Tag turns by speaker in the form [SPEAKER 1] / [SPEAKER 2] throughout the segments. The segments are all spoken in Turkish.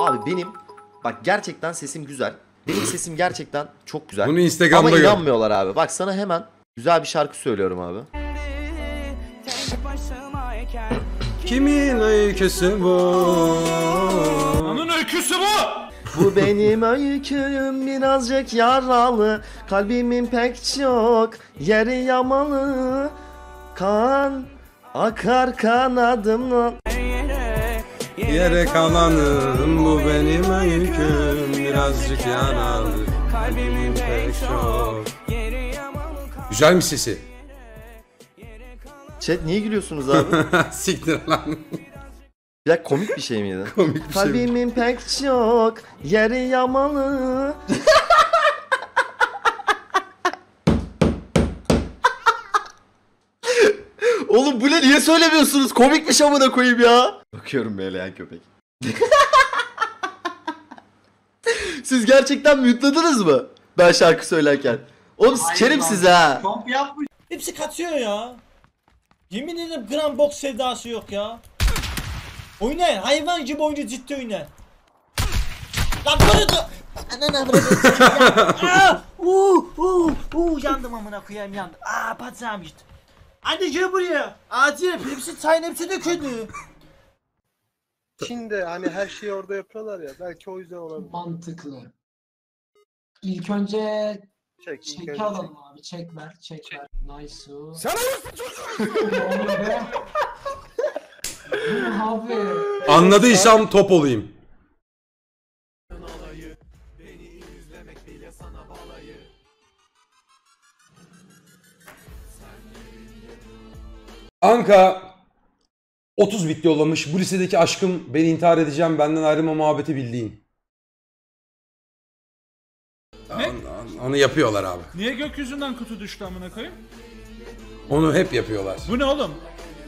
[SPEAKER 1] Abi benim bak gerçekten sesim güzel. Benim sesim gerçekten çok güzel.
[SPEAKER 2] Bunu Instagram'da
[SPEAKER 1] ama
[SPEAKER 2] gör.
[SPEAKER 1] inanmıyorlar abi. Bak sana hemen güzel bir şarkı söylüyorum abi.
[SPEAKER 2] Kimin öyküsü bu?
[SPEAKER 3] Onun öyküsü bu.
[SPEAKER 1] Bu benim öyküm birazcık yaralı. Kalbimin pek çok yeri yamalı. Kan akar kanadımla.
[SPEAKER 2] Yere kalanım bu benim öyküm birazcık yaralı. Kalbimin pek çok. Güzelmiş sesi.
[SPEAKER 1] Chat niye gülüyorsunuz abi?
[SPEAKER 2] Siktir lan.
[SPEAKER 1] Ya komik bir şey miydi?
[SPEAKER 2] Komik bir şey.
[SPEAKER 1] Kalbimin pek çok yeri yamalı. Oğlum bu ne, niye söylemiyorsunuz? Komik bir şey amına koyayım ya. Bakıyorum böyle köpek. Siz gerçekten mute'ladınız mı? Ben şarkı söylerken. Oğlum sikerim sizi ha.
[SPEAKER 3] Hepsi kaçıyor ya. Yemin ederim gram boks sevdası yok ya. Oynayın, hayvan gibi oyuncu, ciddi oynayın. Lan böyle de... Ananı avradım. Yandım amına koyayım, yandım. Bacağım işte. Hadi gel buraya. Acil hepsi çayın hepsi döküldü.
[SPEAKER 4] Çin'de hani her şeyi orada yapıyorlar ya, belki o yüzden olabilir.
[SPEAKER 5] Mantıklı. İlk önce
[SPEAKER 4] Çek, ilk
[SPEAKER 5] çeki
[SPEAKER 4] önce
[SPEAKER 5] alalım abi. Çek ver. Nice.
[SPEAKER 2] Sen
[SPEAKER 5] Abi.
[SPEAKER 2] anladıysam top olayım. Anka 30 bit yollamış. Bu lisedeki aşkım, beni intihar edeceğim, benden ayrılma muhabbeti bildiğin.
[SPEAKER 3] Ne?
[SPEAKER 2] Onu yapıyorlar abi.
[SPEAKER 3] Niye gökyüzünden kutu düştü amına koyayım?
[SPEAKER 2] Onu hep yapıyorlar.
[SPEAKER 3] Bu ne oğlum?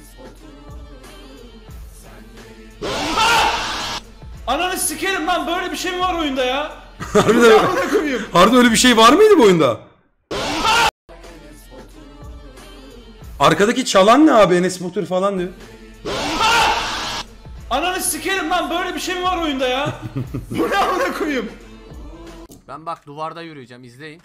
[SPEAKER 3] Ananı sikerim lan, böyle bir şey mi var oyunda ya?
[SPEAKER 2] Harbiden öyle bir şey var mıydı bu oyunda? Arkadaki çalan ne abi? Enes Batur falan diyor.
[SPEAKER 3] Ananı sikerim lan, böyle bir şey mi var oyunda ya? Bu ne amına koyayım?
[SPEAKER 6] Ben bak duvarda yürüyeceğim, izleyin.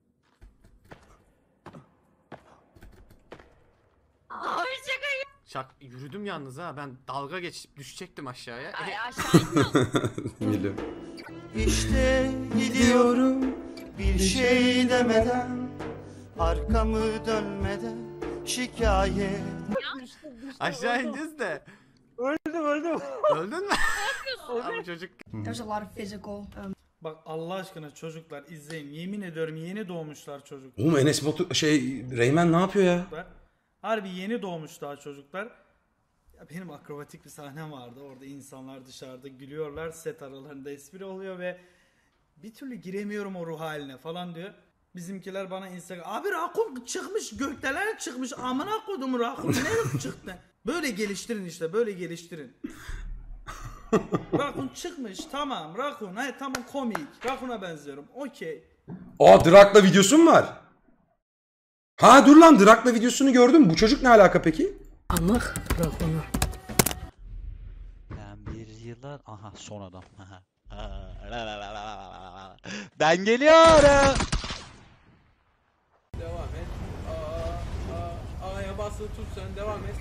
[SPEAKER 7] Abi şaka.
[SPEAKER 6] Yürüdüm yalnız ha, ben dalga geçip düşecektim aşağıya.
[SPEAKER 7] Ay aşağı
[SPEAKER 2] Biliyorum.
[SPEAKER 8] İşte gidiyorum bir şey demeden, arkamı dönmeden, şikayet.
[SPEAKER 6] Aşağı ineceğiz de.
[SPEAKER 4] öldüm.
[SPEAKER 6] Öldün mü? Abi çocuk.
[SPEAKER 7] There's a lot of physical.
[SPEAKER 3] Bak Allah aşkına çocuklar izleyin. Yemin ediyorum yeni doğmuşlar çocuklar.
[SPEAKER 2] Oğlum Enes Batur Reymen ne yapıyor ya?
[SPEAKER 3] Harbi yeni doğmuş daha çocuklar. Ya benim akrobatik bir sahnem vardı. Orada insanlar dışarıda gülüyorlar. Set aralarında espri oluyor ve bir türlü giremiyorum o ruh haline falan diyor. Bizimkiler bana Instagram, abi rakun çıkmış, gökdeler çıkmış, amına koydum rakun ne çıktı? Böyle geliştirin işte, böyle geliştirin. Rakun çıkmış, tamam rakun, hayır tamam komik, rakuna benziyorum, okey.
[SPEAKER 2] Aa Drak'la videosu mu var? Ha dur lan, Drak'la videosunu gördüm. Bu çocuk ne alaka peki?
[SPEAKER 7] Anlık rakunu.
[SPEAKER 8] Ben bir yıllar... Aha son adam. Ben geliyorum.
[SPEAKER 9] Devam et. A'ya basılı tut, sen devam et.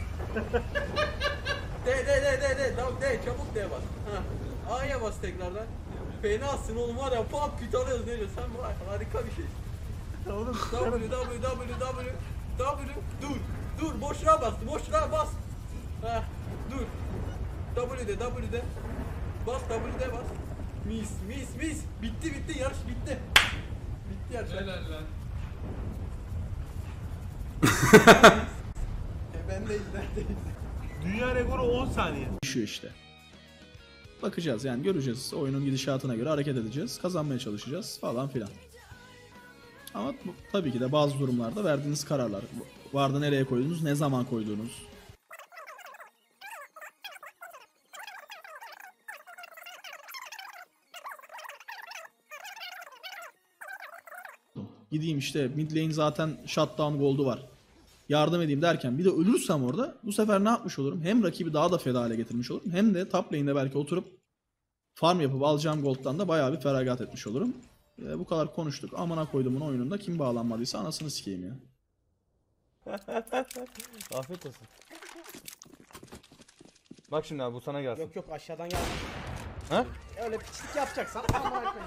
[SPEAKER 9] De çabuk de bas. A'ya bas tekrardan. Fenasın oğlum, var ya pop küt alıyoruz, ne diyorsun sen, var harika bir şey. Oğlum dur boşluğa bas dur W'de bas W'de bas, mis bitti yarış bitti yarış. Helal lan. Ben de izledim.
[SPEAKER 3] Dünya rekoru 10 saniye.
[SPEAKER 10] Düşüyor işte. Bakacağız yani, göreceğiz. Oyunun gidişatına göre hareket edeceğiz. Kazanmaya çalışacağız falan filan. Ama tabii ki de bazı durumlarda verdiğiniz kararlar. Vardı nereye koydunuz, ne zaman koydunuz. Gideyim işte mid lane zaten shutdown gold'u var. Yardım edeyim derken bir de ölürsem orada bu sefer ne yapmış olurum? Hem rakibi daha da feda hale getirmiş olurum, hem de top lane'de belki oturup Farm yapıp alacağım gold'dan da bayağı bir feragat etmiş olurum. Bu kadar konuştuk. Amına koyduğumun oyununda kim bağlanmadıysa anasını sikeyim ya.
[SPEAKER 11] Afiyet olsun. Bak şimdi abi bu sana gelsin.
[SPEAKER 3] Yok aşağıdan gel.
[SPEAKER 11] Ha?
[SPEAKER 3] Öyle piçlik yapacaksan amına koyayım.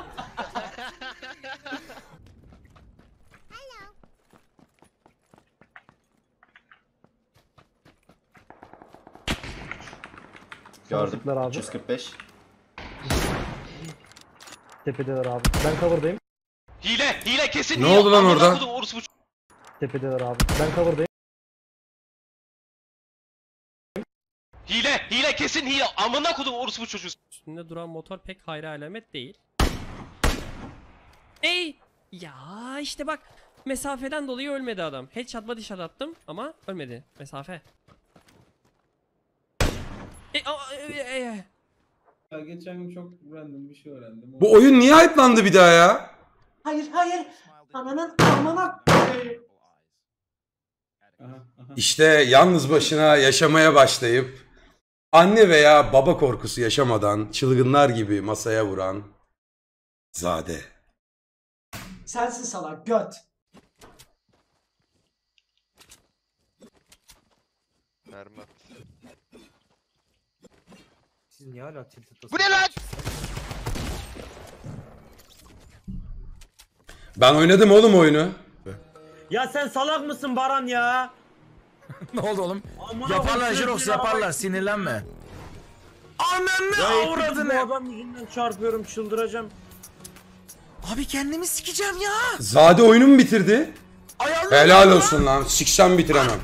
[SPEAKER 1] Gördüm.
[SPEAKER 4] Abi.
[SPEAKER 1] 345.
[SPEAKER 4] Tepedeler abi. Ben cover'dayım.
[SPEAKER 8] Hile kesin
[SPEAKER 2] Ne oldu lan orada?
[SPEAKER 4] Tepedeler abi. Ben cover'dayım.
[SPEAKER 8] Hile kesin hile. Amına kodum orospu çocuğu.
[SPEAKER 9] Üstünde duran motor pek hayra alamet değil. Ey! Ya işte bak mesafeden dolayı ölmedi adam. Headshot body shot attım ama ölmedi. Mesafe.
[SPEAKER 10] Ya geçen gün çok random bir şey öğrendim.
[SPEAKER 2] Bu oyun niye hype'landı bir daha ya?
[SPEAKER 5] Hayır. Ananın amına koyayım.
[SPEAKER 2] İşte yalnız başına yaşamaya başlayıp anne veya baba korkusu yaşamadan çılgınlar gibi masaya vuran Zade.
[SPEAKER 5] Sensin salak göt.
[SPEAKER 11] Siz niye hala tilt
[SPEAKER 8] Bu ne lan?
[SPEAKER 2] Ben oynadım oğlum oyunu.
[SPEAKER 11] Ya sen salak mısın Baran ya?
[SPEAKER 12] Ne oldu oğlum?
[SPEAKER 11] Amına
[SPEAKER 12] Yaparlar
[SPEAKER 11] koyayım,
[SPEAKER 12] Jirox
[SPEAKER 11] ya.
[SPEAKER 12] yaparlar sinirlenme. Ananı
[SPEAKER 11] Ya
[SPEAKER 12] avradını.
[SPEAKER 11] bu adam yüzünden çarpıyorum çıldıracağım.
[SPEAKER 12] Abi kendimi sikeceğim ya.
[SPEAKER 2] Zade oyunu mu bitirdi?
[SPEAKER 12] Ayarlı
[SPEAKER 2] Helal olsun lan. Siksem bitiremem.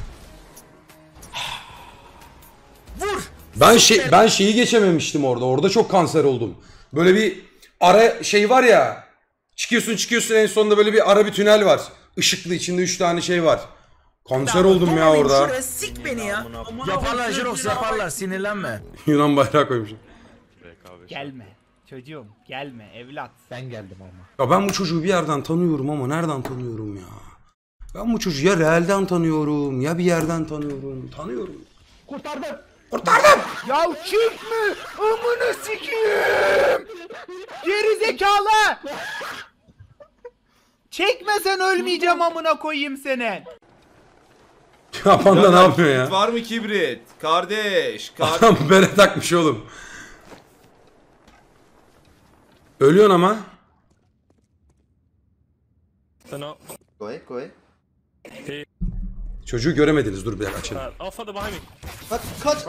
[SPEAKER 12] Vur.
[SPEAKER 2] Ben şeyi geçememiştim orada. Orada çok kanser oldum. Böyle bir ara şey var ya. Çıkıyorsun en sonunda böyle bir ara bir tünel var. Işıklı içinde 3 tane şey var. Kanser oldum ya orada.
[SPEAKER 12] Şuraya sik beni ya. Yaparlar Jirox yaparlar sinirlenme.
[SPEAKER 2] Yunan bayrağı koymuşum.
[SPEAKER 3] Gelme çocuğum gelme evlat.
[SPEAKER 12] Ben geldim ama.
[SPEAKER 2] Ya ben bu çocuğu bir yerden tanıyorum ama nereden tanıyorum ya? Ben bu çocuğu ya realden tanıyorum ya bir yerden tanıyorum. Tanıyorum.
[SPEAKER 12] Kurtardım.
[SPEAKER 11] Ya çıkma! Amına sikeyim! Geri zekalı! Çekmesen ölmeyeceğim amına koyayım seni.
[SPEAKER 2] Ya Panda ne yapıyor ya?
[SPEAKER 13] Var mı kibrit? Kardeş.
[SPEAKER 2] Adam bere takmış oğlum. Ölüyorsun ama.
[SPEAKER 1] Go ahead.
[SPEAKER 2] Çocuğu göremediniz. Dur bir dakika açalım.
[SPEAKER 1] Kaç.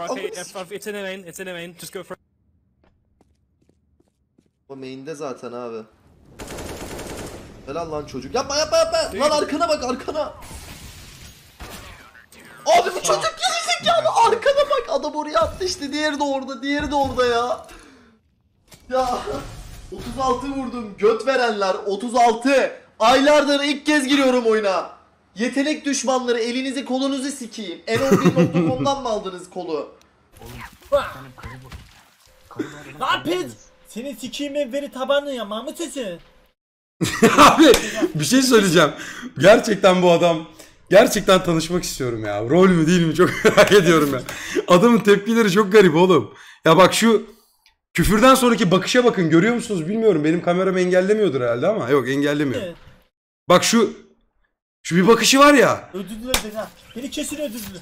[SPEAKER 1] O main'de zaten abi. Helal lan çocuk. Yapma. Lan arkana bak arkana. Abi bu çocuk gerizekalı. Arkana bak. Adam oraya attı işte. Diğeri de orada ya. Ya 36 vurdum. Göt verenler 36. Aylardır ilk kez giriyorum oyuna. Yetenek düşmanları elinizi kolunuzu sikeyim. N11.com'dan mı aldınız kolu?
[SPEAKER 11] Lan pis! Senin sikiyim veri tabanlı ya Mahmut sesi.
[SPEAKER 2] Abi bir şey söyleyeceğim. Gerçekten bu adam. Gerçekten tanışmak istiyorum ya. Rol mü değil mi çok merak ediyorum ya. Adamın tepkileri çok garip oğlum. Ya bak şu küfürden sonraki bakışa bakın görüyor musunuz bilmiyorum. Benim kameram engellemiyordur herhalde ama yok engellemiyor.
[SPEAKER 11] Evet.
[SPEAKER 2] Bak şu bir bakışı var ya.
[SPEAKER 11] Öldürdüler beni ha. Beni kesin öldürdüler.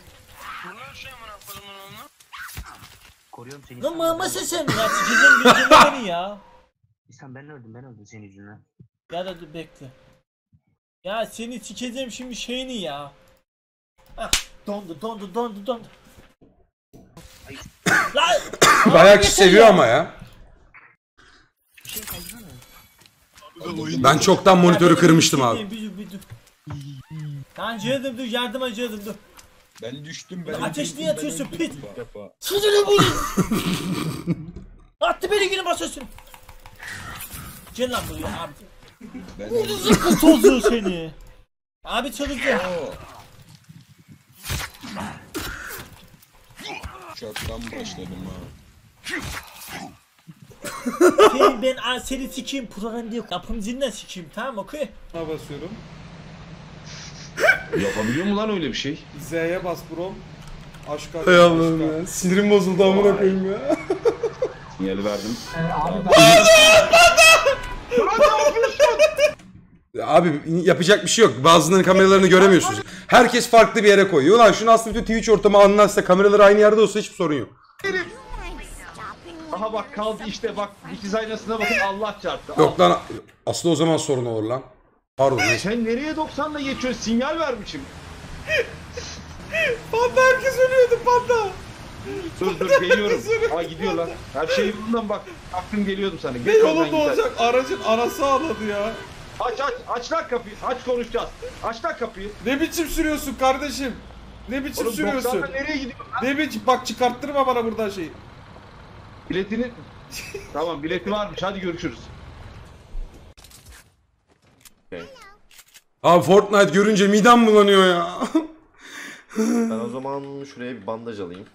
[SPEAKER 11] Lan Mahmut sesim ya sikeceğim gözüme beni ya.
[SPEAKER 5] Ben öldüm senin yüzünden.
[SPEAKER 11] Ya da dur bekle. Ya seni sikeceğim şimdi şeyini ya. Ah dondu. Lan!
[SPEAKER 2] Bayağı kişi seviyor ama ya. Ben çoktan monitörü kırmıştım abi.
[SPEAKER 11] Bir dur. Lan cihazım dur yardıma cihazım dur.
[SPEAKER 13] Ben düştüm
[SPEAKER 11] Ateş niye atıyorsun pit? Sızını bu. Attı beni yine basıyorsun. Gel lan buraya abi. Vurdu zıkkı tozu seni. Abi çalıştı.
[SPEAKER 13] Çoktan başladım ha.
[SPEAKER 11] Seni sikeyim program diye kapım zinden sikeyim tamam okey.
[SPEAKER 10] Buna basıyorum.
[SPEAKER 13] Yapabiliyor mu lan öyle bir şey?
[SPEAKER 10] Z'ye bas bro. Aşk
[SPEAKER 2] Hay Allah'ım ya. Sinirim bozuldu amına koyayım ya.
[SPEAKER 13] Sinyali verdim.
[SPEAKER 2] Abi yapacak bir şey yok. Bazılarının kameralarını göremiyorsunuz. Herkes farklı bir yere koyuyor. Ulan şunu aslında bütün Twitch ortamı anlarsa, kameralar aynı yerde olsa hiçbir sorun yok.
[SPEAKER 13] Aha bak kaldı işte bak dikiz aynasına bakın Allah çarptı.
[SPEAKER 2] Yok lan aslında o zaman sorun olur lan. Pardon.
[SPEAKER 13] Sen nereye 90'la geçiyorsun? Sinyal vermişim.
[SPEAKER 3] Panda herkes ölüyordu panda.
[SPEAKER 13] Dur geliyorum. Aa gidiyor lan. Her şey yolundan bak. Aklım geliyordum sana.
[SPEAKER 3] Ne yolunda olacak? Aracın anası ağladı ya.
[SPEAKER 13] Aç lan kapıyı. Aç konuşacağız. Aç lan kapıyı.
[SPEAKER 3] Ne biçim sürüyorsun kardeşim? Ne biçim
[SPEAKER 13] Oğlum,
[SPEAKER 3] sürüyorsun?
[SPEAKER 13] 90'la nereye gidiyorsun lan?
[SPEAKER 3] Ne biçim? Bak çıkarttırma bana buradan şeyi.
[SPEAKER 13] Biletini... Tamam bileti varmış. Hadi görüşürüz.
[SPEAKER 2] Abi Fortnite görünce midem bulanıyor ya.
[SPEAKER 1] Ben o zaman şuraya bir bandaj alayım.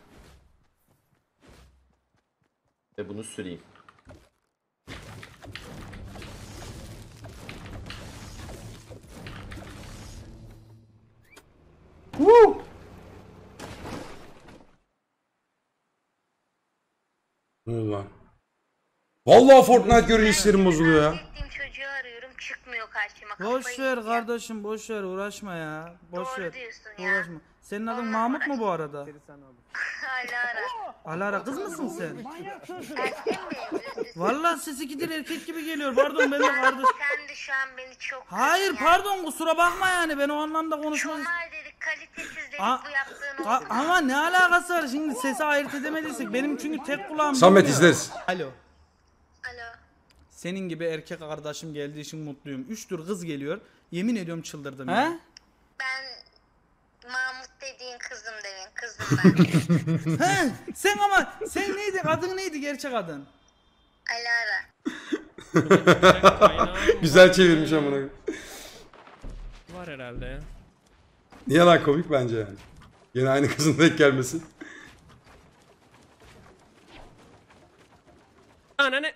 [SPEAKER 1] Ve bunu süreyim.
[SPEAKER 2] Ne oldu lan? Vallahi Fortnite görünce hislerim bozuluyor ya.
[SPEAKER 7] Çocuğu arıyorum çıkmıyor karşıma.
[SPEAKER 3] Boş ver kardeşim boş ver uğraşma ya. Boş
[SPEAKER 7] Doğru
[SPEAKER 3] ver.
[SPEAKER 7] diyorsun ya.
[SPEAKER 3] Uğraşma. Senin adın Mahmut mu bu arada?
[SPEAKER 7] Hala ara.
[SPEAKER 3] Alara kız mısın sen?
[SPEAKER 7] Erkek mi?
[SPEAKER 3] Vallahi sesi gider erkek gibi geliyor. Pardon ben de kardeş.
[SPEAKER 7] Sen de şu an beni çok...
[SPEAKER 3] Hayır pardon kusura bakma yani ben o anlamda konuşmak
[SPEAKER 7] Normal dedik, kalitesiz dedik
[SPEAKER 3] A-
[SPEAKER 7] bu yaptığın oldu.
[SPEAKER 3] Ama ne alakası var şimdi sesi ayırt edemediysek benim çünkü tek kulağım
[SPEAKER 2] Samet
[SPEAKER 3] duymuyor.
[SPEAKER 2] izleriz.
[SPEAKER 3] Alo.
[SPEAKER 7] Alo.
[SPEAKER 3] Senin gibi erkek kardeşim geldiği için mutluyum. 3 tür kız geliyor. Yemin ediyorum çıldırdım ya.
[SPEAKER 7] Ben Mahmut dediğin kızım demin. Kızım ben.
[SPEAKER 3] He, sen neydi? Adın neydi gerçek adın?
[SPEAKER 7] Alara.
[SPEAKER 2] Güzel çevirmiş amına.
[SPEAKER 14] Var herhalde ya.
[SPEAKER 2] Niye lan komik bence yani. Yine aynı kızın denk gelmesi.
[SPEAKER 14] Anne.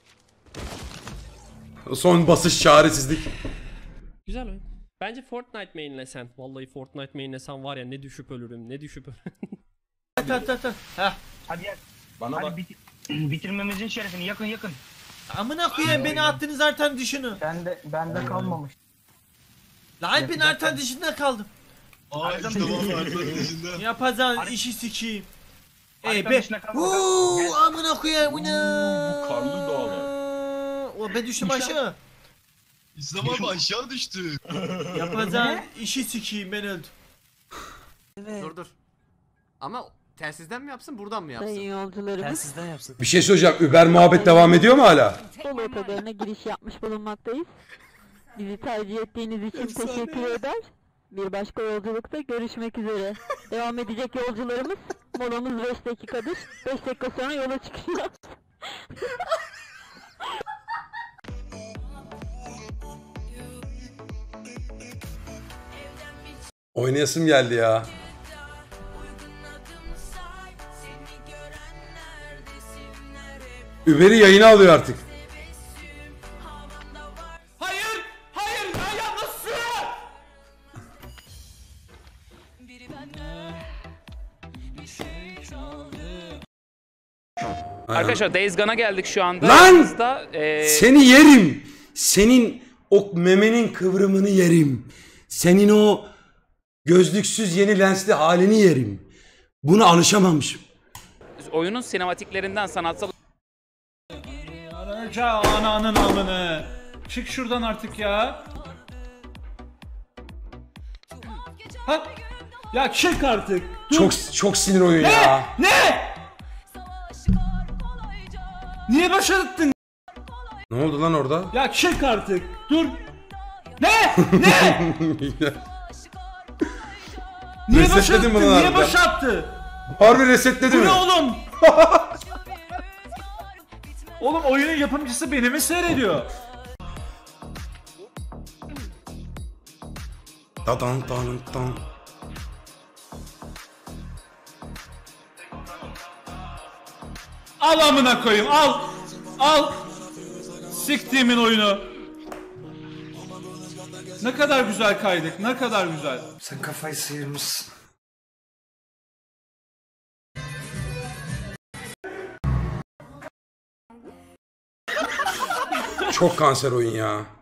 [SPEAKER 2] Son basış çaresizlik.
[SPEAKER 14] Güzel oyun. Bence Fortnite mainlesen. Vallahi Fortnite mainlesen var ya ne düşüp ölürüm ne düşüp ölürüm.
[SPEAKER 5] Hadi gel.
[SPEAKER 13] Bana bak.
[SPEAKER 5] Bitirmemizin şerefini yakın.
[SPEAKER 11] Amına koyayım beni attınız zaten dışını.
[SPEAKER 5] Bende kalmamış.
[SPEAKER 11] Lan ben artan dışında kaldım.
[SPEAKER 5] dışında.
[SPEAKER 11] Yapacağın işi sikeyim.
[SPEAKER 5] Artan
[SPEAKER 11] Be.
[SPEAKER 5] dışında kalmadı.
[SPEAKER 11] Amına koyayım bu ne?
[SPEAKER 13] Karlı dağlar.
[SPEAKER 11] O ben düştüm aşağı.
[SPEAKER 13] İslam abi aşağı düştü.
[SPEAKER 11] Yapacağın işi sikeyim ben öldüm.
[SPEAKER 6] Dur. Ama telsizden mi yapsın buradan mı yapsın?
[SPEAKER 7] Yolcularımız
[SPEAKER 14] yapsın.
[SPEAKER 2] Bir şey söyleyeceğim. Uber muhabbet devam ediyor mu hala?
[SPEAKER 7] Bolu otogarına giriş yapmış bulunmaktayız. Bizi tercih ettiğiniz için teşekkür eder. Bir başka yolculukta görüşmek üzere. Devam edecek yolcularımız molamız 5 dakikadır. 5 dakika sonra yola çıkacağız.
[SPEAKER 2] Oynayasım geldi ya. Uber'i yayına alıyor artık.
[SPEAKER 11] Hayır ben yalnız sür.
[SPEAKER 2] Arkadaşlar
[SPEAKER 15] Days Gone'a geldik şu anda.
[SPEAKER 2] Lan!
[SPEAKER 15] Yanımızda,
[SPEAKER 2] Seni yerim. Senin o memenin kıvrımını yerim. Senin o gözlüksüz yeni lensli halini yerim. Buna alışamamışım.
[SPEAKER 15] oyunun sinematiklerinden sanatsal
[SPEAKER 11] Ananın amını. Çık şuradan artık ya. Ha? Ya çık artık. Dur.
[SPEAKER 2] Çok sinir oyun ya.
[SPEAKER 11] Ne? Niye başarıttın?
[SPEAKER 2] Ne oldu lan orada?
[SPEAKER 11] Ya çık artık. Dur. Ne? Ne? Niye
[SPEAKER 2] Resetledin
[SPEAKER 11] başarıttın?
[SPEAKER 2] bunu
[SPEAKER 11] Niye
[SPEAKER 2] harbiden.
[SPEAKER 11] başarttı?
[SPEAKER 2] Harbi resetledi
[SPEAKER 11] Bu
[SPEAKER 2] mi?
[SPEAKER 11] ne oğlum? Oğlum oyunun yapımcısı beni mi seyrediyor?
[SPEAKER 2] Tadan tadan tadan.
[SPEAKER 11] Al amına koyayım al. Al. Siktiğimin oyunu. Ne kadar güzel kaydık. Ne kadar güzel.
[SPEAKER 12] Sen kafayı sıyırmışsın.
[SPEAKER 2] Çok kanser oyun ya.